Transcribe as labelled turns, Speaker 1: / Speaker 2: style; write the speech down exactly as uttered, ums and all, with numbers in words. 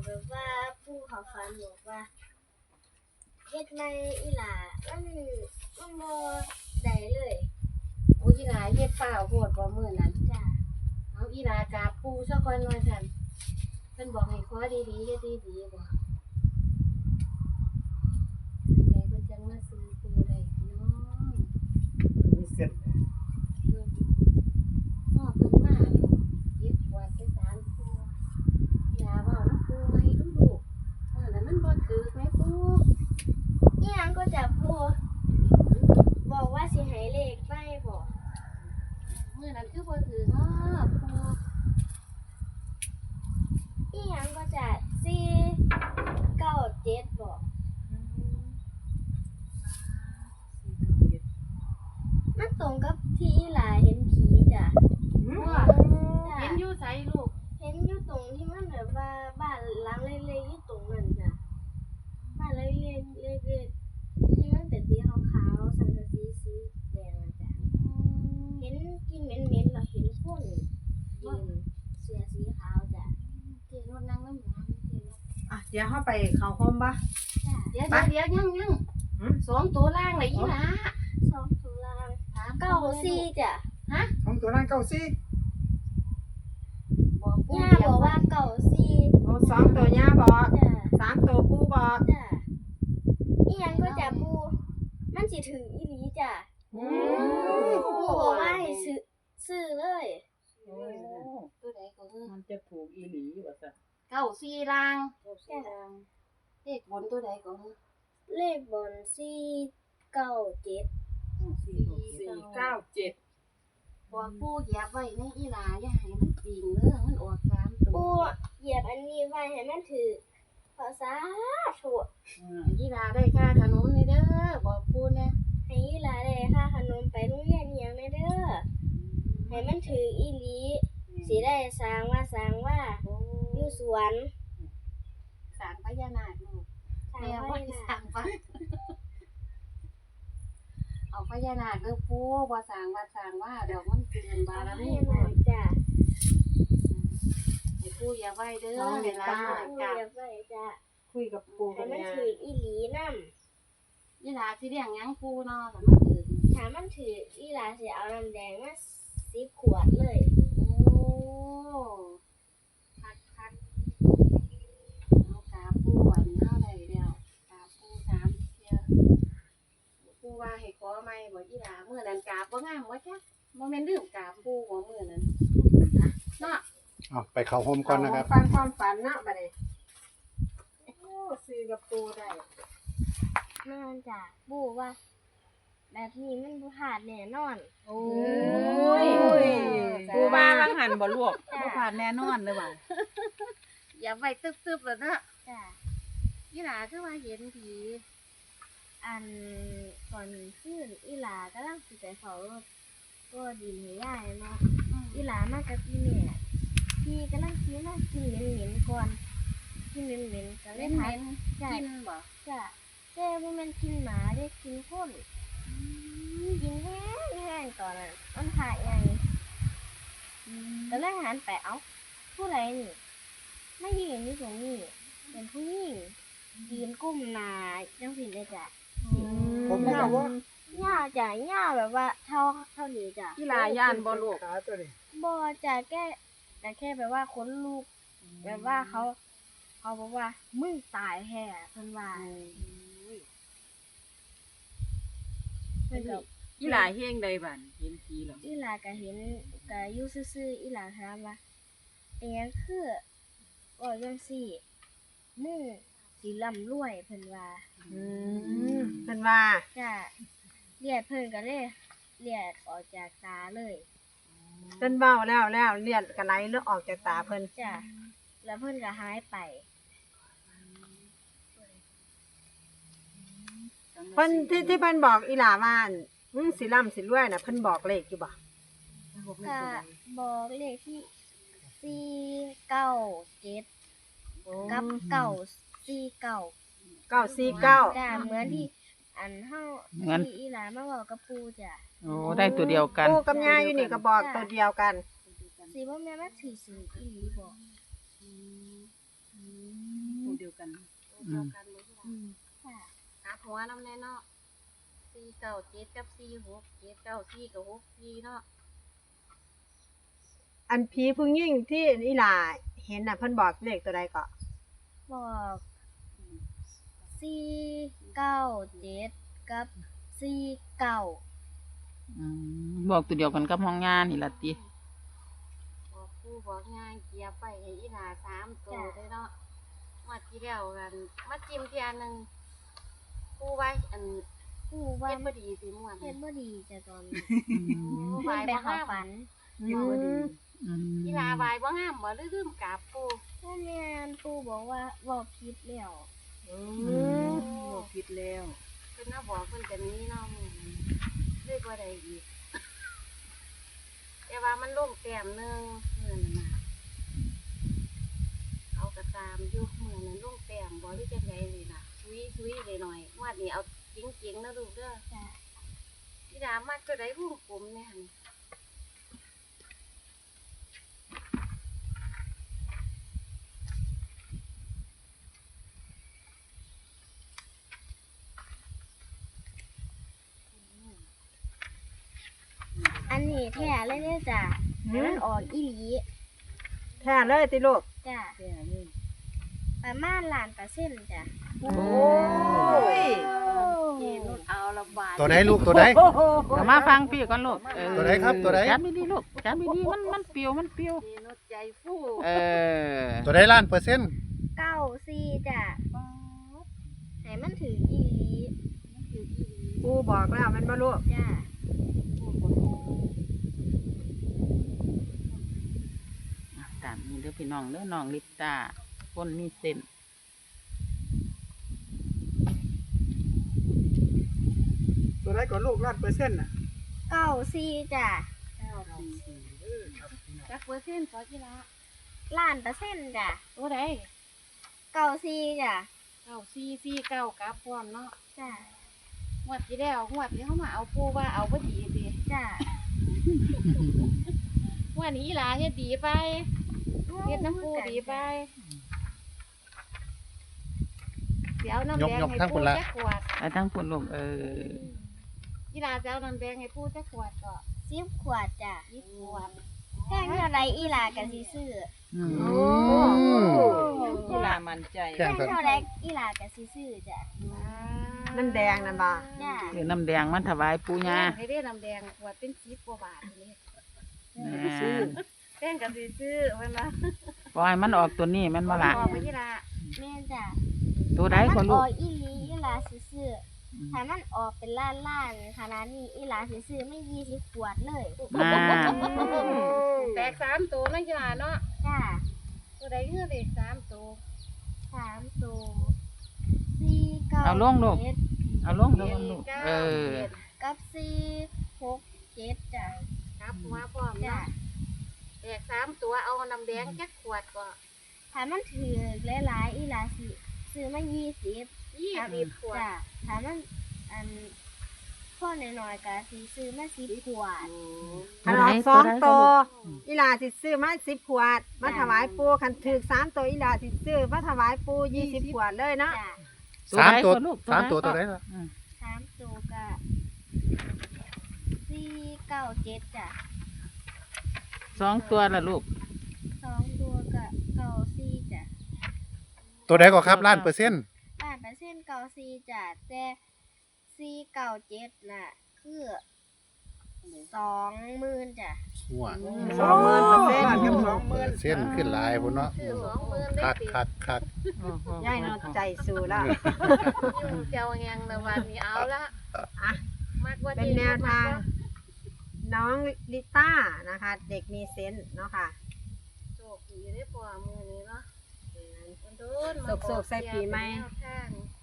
Speaker 1: แบบว่าผู้เขาฝันบอกว่าเฮ็ดไม่อีหล่ามันมันบ่ได้เลย
Speaker 2: โอ้อีหลาเฮ็ดเปล่าโพดบ่มื้อนั้น
Speaker 1: จ้ะ
Speaker 2: เอาอีหลากราบปู่ซะก่อนว่าซั่นเพิ่นบอกให้ขอดีๆเฮ็ดดีๆบ่จังไดเพิ่นจังมาซื้อปู่ได้พี่น้อง
Speaker 3: มีเสร็จ
Speaker 2: อืมพ่อเพิ่นมาเก็บกวาดไปศาลปู่อีหลาเว้านำปู่ใหม่ดูลูกเออแล้วมันบ่ถูกแม่ปู่
Speaker 1: อีหยังก็จะผู้บอกว่าสิให้เลขไปบ่
Speaker 2: มื้อนั้นคือบ่ถูกเนาะปู่
Speaker 1: อีหยังก็จะสี่เก้าเจ็ดบ่มันตรงกับที่อีหลาเห็นผีจ้ะ
Speaker 2: ว่า
Speaker 1: จ้ะ
Speaker 2: เห็นอยู่ไสลูก
Speaker 1: เห็นอยู่ตรงที่มันแบบว่าบ้านหลังเล็กๆอยู่ตรงนั้นจ้ะบ้านเล็กๆเล็กๆที่มันเป็นสีขาวๆสังกะสีสีแดงอะจ้ะเห็นกินเหม็นๆแล้วเห็นคนยืนเสื้อสีขาวจ้ะ
Speaker 2: เจรถนั่งน้ำหวานเจรถ
Speaker 3: อ่ะเดี๋ยวเข้าไปเข้าห้องปะ
Speaker 1: จ้ะ
Speaker 2: เดี๋ยวเดี๋ยวยังยังสองตัวล่างเลยอีหลา
Speaker 1: สองตุลา
Speaker 2: ถาม
Speaker 1: เก้าสี่จ้ะ
Speaker 2: ฮะ
Speaker 3: ของตัวนั้นเก้าสี่
Speaker 2: บอกปู่
Speaker 1: ย่าบอกว่าเก้าสี่
Speaker 3: โอ้สองตัวย่าบอก
Speaker 1: จ้ะ
Speaker 3: สามตัวปูบอก
Speaker 1: จ้ะอีหยังก็จะปูมันสิถึงอีหลีจ้ะ
Speaker 3: อืม
Speaker 1: ปูบอกว่าให้ซื้อซื้อเลย
Speaker 2: ตัวใดก็คือ
Speaker 4: มันจะถูกอีหลีว่าซะ
Speaker 2: เก้าสี่ล่าง
Speaker 1: จ้ะ
Speaker 2: เลขบนตัวใดก็คือ
Speaker 1: เลขบนสี่เก้าเจ็ด
Speaker 4: สี่เก้าเจ็ด
Speaker 2: บอกปู่เหยียบไว้ในอีหลาอย่าให้มันปิงเด้อมันออกสามตั
Speaker 1: ปู
Speaker 2: ว
Speaker 1: เหยียบอันนี้ไว้ให้มันถือภาษาถูก
Speaker 2: อีหลาได้ค่าขนมนี่เด้อบอกปู่แน่
Speaker 1: ให้อีหลาได้ค่าขนมไปโรงเรียนอีหยังแน่เด้อให้มันถืออีหลีสิได้สร้างว่าสร้างว่า
Speaker 2: โอ้
Speaker 1: อยู่สวน
Speaker 2: สร้างพญานาคลูก
Speaker 1: สร้าง
Speaker 2: แม่
Speaker 1: ไว้
Speaker 2: ว่า
Speaker 1: น่ะ
Speaker 2: สร้างปะเอาพญานาคเด้อปู่บ่สร้างว่าสร้างว่าเดี๋ยวมันเกินบารมี
Speaker 1: ให้
Speaker 2: ปู่
Speaker 1: มาจ้ะ
Speaker 2: ให้ปู่อย่าไว้เด้อเวลา
Speaker 1: ปู
Speaker 2: กลับ
Speaker 1: เหยียบไว้จ้ะ
Speaker 3: คุยกับปู
Speaker 1: ให้
Speaker 3: กับ
Speaker 1: มัน
Speaker 3: ย่า
Speaker 1: ถืออีหลีนำ
Speaker 2: อีหลาสิเลี้ยงหยังปู่เนาะถ้ามันถึง
Speaker 1: ถ้ามันถืออีหลาสิเอาน้ำแดงมาสิบขวดเลย
Speaker 2: โอ้คักคักเอากาปู่อันนี้เฮาได้แล้วกาปู่สามเที่ยปู่ว่าให้ขอใหม่บ่อีหลามื้อนั้นกาบบ่งามบ่จ๊ะบ่แม่นลืมกาบปู่บ่มื้อนั้นเนาะ
Speaker 5: เอาไปเข้าห้องก่อนนะครับ
Speaker 3: ฟันความฝันเนาะบัดนี้โอ้ซื้อกับปูได้
Speaker 1: นั่นจ้ะปู่ว่า แบบนี้มันบ่พลาดแน่นอน
Speaker 2: โอ้
Speaker 4: ย
Speaker 2: จ้
Speaker 4: ปูบ้าบางหันบ่ลวกบ่ผ่านแน่นอนเลยว่ะ
Speaker 2: อย่าไว้ตึบๆแล้วเนาะ
Speaker 1: จ้ะ
Speaker 2: อีหลาคือว่าเห็นผี
Speaker 1: อันก่อนขึ้นอีหลากำลังสิไปเฝ้ารถก็ดินให้ยายเนาะอีหลามากับพี่แม่พี่กำลังกินมากินเหม็นๆก่อนกินเหม็นๆก็เล
Speaker 2: เล่
Speaker 1: ย
Speaker 2: น
Speaker 1: ถา
Speaker 2: เห็
Speaker 1: ม
Speaker 2: น
Speaker 1: จ้ะ
Speaker 2: กินบ่
Speaker 1: จ้ะแต่บ่แม่นกินหมาเด้กินคนกินแห้งแห้งตอนนั้นมันหายใหญ่ก็เลยหันไปเอ้าผู้ใดนี่ไม่ยืนอยู่ตรงนี้เป็นผู้หญิงยืนก้มหน้าจังซี่เลยจ้ะ
Speaker 3: ผมไม่บอกว่า
Speaker 1: ย่าจ้ะย่าแบบว่าเท่าเท่านี้จ้ะ
Speaker 4: กีฬาย่านบ่ลวก
Speaker 3: ขาตัวนี้
Speaker 1: บ่จ้ะแค่แต่แค่แบบว่าขนลุกแบบว่าเขา เขาบอกว่ามึงตายแท้เพิ่นว่าเพิ่นก็
Speaker 4: กีฬาเฮงใดบัดเห็นผีแล้ว
Speaker 1: อีหลาก็เห็นก็อยู่ซื่อๆอีหลาถามว่าเป็นหยังคือว่าจังซี่มึงสิร่ำรวยเพิ่นว่า
Speaker 3: อืมเพิ่นว่า
Speaker 1: จ้ะเลือดเพิ่นก็เลยเลือดออกจากตาเลย
Speaker 3: เพิ่นเว้าแล้วแล้วเลือดก็ไหลเลือดออกจากตาเพิ่น
Speaker 1: จ้ะแล้วเพิ่นก็หายไป
Speaker 3: เพิ่นที่ที่เพิ่นบอกอีหลาว่าอั่นมึงสิร่ำสิรวยน่ะเพิ่นบอกเลขอยู่บ่
Speaker 1: ก็บอกเลขที่สี่เก้าเจ็ดกับเก้าสี่เก้า
Speaker 3: เก้าสี่เก้า
Speaker 1: จ้ะเหมือนที่อันเฮา
Speaker 4: เหมือน
Speaker 1: ที่อีหลามาบอกกับปู่จ้ะ
Speaker 4: โอ้ได้ตัวเดียวกัน
Speaker 3: ปูกับย่าอยู่นี่ก็บอกตัวเดียวกัน
Speaker 1: สิบ่แม่นมาถือสิอีหลีบ่
Speaker 4: กัน
Speaker 2: ตัวเดียวกันบ่ที่ละ
Speaker 1: ค่ะ
Speaker 2: กลับหัวน้ำแน่เนาะสี่เก้าเจ็ดกับสี่หกเจ็ดเก้าสี่กับหกสี่เนาะ
Speaker 3: อันผีผู้หญิงที่อีหลาเห็นน่ะเพิ่นบอกเลขตัวใดก็
Speaker 1: บอกสี่เก้าเจ็ดกับสี่เก้า
Speaker 4: อืมบอกตัวเดียวกันกับห้องงานนี่ล่ะติ
Speaker 2: บอกผู้บอกงานเกียร์ไปให้อีหลาสามตัวเลยเนาะมาที่แล้วกันมาจิ้มเทียนหนึ่งผู้ไว้อัน
Speaker 1: ผู้ว่า
Speaker 2: เฮ็ดบ่ดีสิม่วน
Speaker 1: เฮ็ดบ่ดีจ้ะตอนนี้
Speaker 4: อืม
Speaker 1: เพิ่นไปเข้าฝัน
Speaker 3: อืม
Speaker 4: อืม
Speaker 2: อีหลาบายบ่งามบ่ลืลืมกราบปู่
Speaker 1: แม่แม่นปู่บอกว่าบอกผิดแล้ว
Speaker 3: อื
Speaker 4: อื
Speaker 3: ม
Speaker 4: มบอกผิดแล้ว
Speaker 2: เพิ่นน่ะบอกเพิ่นจะหนี้เนาะมื้อนี้เลยบ่ได้อีกแต่ว่ามันลงแต้มหนึงมื้อนั้นน่ะเอากระตามอยู่มื้อนั้นลงแต้มบ่หรือจังไดนี่ล่ะซุยๆได้หน่อยงวดนี้เอาจริงๆนะลูกเด้อ
Speaker 1: จ้ะ
Speaker 2: อีหลามักตัวใดวงกลมแน่หั่น
Speaker 1: อันนี้แท้เลยเด้อจ้ะให้มันออกอีหลี
Speaker 3: แท้เลยติลูก
Speaker 1: จ้ะ
Speaker 4: แค่นี้
Speaker 1: ประมาณล้านเปอร์เซ็นต์จ้ะ
Speaker 3: โอ้ย
Speaker 2: เจนุชเอาละบาท
Speaker 5: ตัวไหนลูกตัวไหน
Speaker 4: เอามาฟังพี่ก่อนลูกเออ
Speaker 5: ตัวไหนครับตัวไหน
Speaker 4: จับดีๆลูกจับดีๆมันมันเปรียวมันเปรียว
Speaker 2: เจนุชใจฟู่
Speaker 4: เออ
Speaker 5: ตัวไหนล้านเปอร์เซ็นต์
Speaker 1: เก้าสี่จ้ะให้มันถึงอีหลี
Speaker 3: ปูบอกแล้วแมันบ่ลูก
Speaker 1: จ้ะ
Speaker 4: อ่ะตามนี้เด้อพี่น้องเด้อน้องลิปตาคนมีเส้น
Speaker 6: ตัวไหนก่อนลูกล้านเปอร์เซ็นต์น่ะ
Speaker 1: เก้าสี่จ้ะ
Speaker 2: จักเปอร์เซ็นต์ขอกีฬา
Speaker 1: ล้านเปอร์เซ็นต์จ้ะ
Speaker 2: ตัวใด
Speaker 1: เก้าสี่จ้ะ
Speaker 2: เก้าสี่สี่เก้ากราบพร้อมเนาะ
Speaker 1: จ้ะ
Speaker 2: งวดที่แล้วงวดที่เขามาเอาปูว่าเอาบ่ดีสิ
Speaker 1: จ้ะ
Speaker 2: งวดนี้อีหลาเฮ็ดดีไปเฮ็ดน้ำปูดีไปเดี๋ยวน้ำแดงให้ปูจักขวด
Speaker 4: ไปทั้งคนลูกเออ
Speaker 2: อีหลาจะเอาน้ำแดงให้ปูจักขวดก็
Speaker 1: สิบขวดจ้ะ
Speaker 2: ยี่สิบขวด
Speaker 1: แพงเท่าไรอีหลากันสิซื้อ
Speaker 4: อืม
Speaker 3: โอ้
Speaker 4: กีฬามันใจ
Speaker 1: แพงเท่าไรอีหลากันสิซื้อจ้ะ
Speaker 3: น้ำแดงนั่นบ่
Speaker 1: จ้ะ
Speaker 4: เดี๋ยวน้ำแดงมันถวายปู่ย่า
Speaker 2: ให้ได้น้ำแดงขวดเป็นสิบกว่าบาทนี่
Speaker 4: แม่
Speaker 2: แป้งกับสิซื้อเพิ่นว่า
Speaker 4: ปล่อยมันออกตัวนี้แมันบ่ล่ะ
Speaker 2: บอกไปอีหลา
Speaker 1: แม่จ้ะ
Speaker 4: ตัวใด
Speaker 1: ถ้า
Speaker 4: ก็
Speaker 1: มัน
Speaker 4: ลู
Speaker 1: อก อกอีหลีอีหลาสิซื้อ
Speaker 4: อืม
Speaker 1: ถ้ามันออกเป็นล้านล้านๆขนาดนี้อีหลาสิซื้อไม่ยี่สิบขวดเลย
Speaker 4: มา
Speaker 2: แตกสามตัวนั่นกีฬาเนาะ
Speaker 1: จ้ะ
Speaker 2: ตัวใดเงือเด็กสามตัว
Speaker 1: สามตัวสี่เก้า
Speaker 4: เอาลงลูก
Speaker 1: เจ็ด
Speaker 4: เอาลงลงลูกเออ
Speaker 1: กับสี่หกเจ็ดจ้ะ
Speaker 2: ครับหัวพร้อม
Speaker 1: จ้ะ
Speaker 2: เนาะแตกสามตัวเอาน้ำแดงจักขวดก็
Speaker 1: ถ้ามันถือหลายๆอีหลาสิซื้อมายี่สิบ
Speaker 2: ยี่สิบขวด
Speaker 1: จ้ะถ้ามันอันพ่อน้อยๆก็สิซื้อมาสิบขวด
Speaker 3: คันออกสองตัวอีหลาสิซื้อมาสิบขวด มาถวายปูคันถือสามตัวอีหลาสิซื้อมาถวายปูยี่สิบขวดเลยเนาะ
Speaker 1: จ้ะ
Speaker 5: สามตัว
Speaker 4: ใดก็ลูก
Speaker 5: สามตัว
Speaker 4: ใด
Speaker 5: ตัวไหน
Speaker 4: ก็
Speaker 5: ล่ะ
Speaker 4: อืม
Speaker 1: สามตัวก็สี่เก้าเจ็ดจ้ะ
Speaker 4: สองตัวละลูก
Speaker 1: สองตัวก็เก้าสี่จ้ะ
Speaker 5: ตัวไหนก็ครับล้านเปอร์เซ็นต์
Speaker 1: บ้านเปอร์เซ็นต์เก้าสี่จ้ะแต่สี่เก้าเจ็ดน่ะ คือสองหมื่นจ้ะ
Speaker 5: หัว
Speaker 3: สองหมื่นเปอร์เซ็นต์
Speaker 6: ล้านกับสองห
Speaker 5: เป
Speaker 6: มื่
Speaker 5: อน ร์เซ็นต์ขึ้นหลายพุ่นเนาะ
Speaker 2: คือสองหมื่นได้
Speaker 5: คัก
Speaker 2: สิ
Speaker 5: คักคัก
Speaker 3: ยายเนาะใจสู้แล้ว
Speaker 2: ยุ่งเจ้าแงงในวันนี้เอาละ
Speaker 3: อ่ะ
Speaker 2: มากกว่า
Speaker 3: เป็นแนวทาง น้องลิต้านะคะ เด็กมีเซนส์เนาะค่ะ
Speaker 2: โชคดีได้ปอมือนี้เนาะ
Speaker 3: โศกๆใส่ปีใหม่
Speaker 2: แนวทาง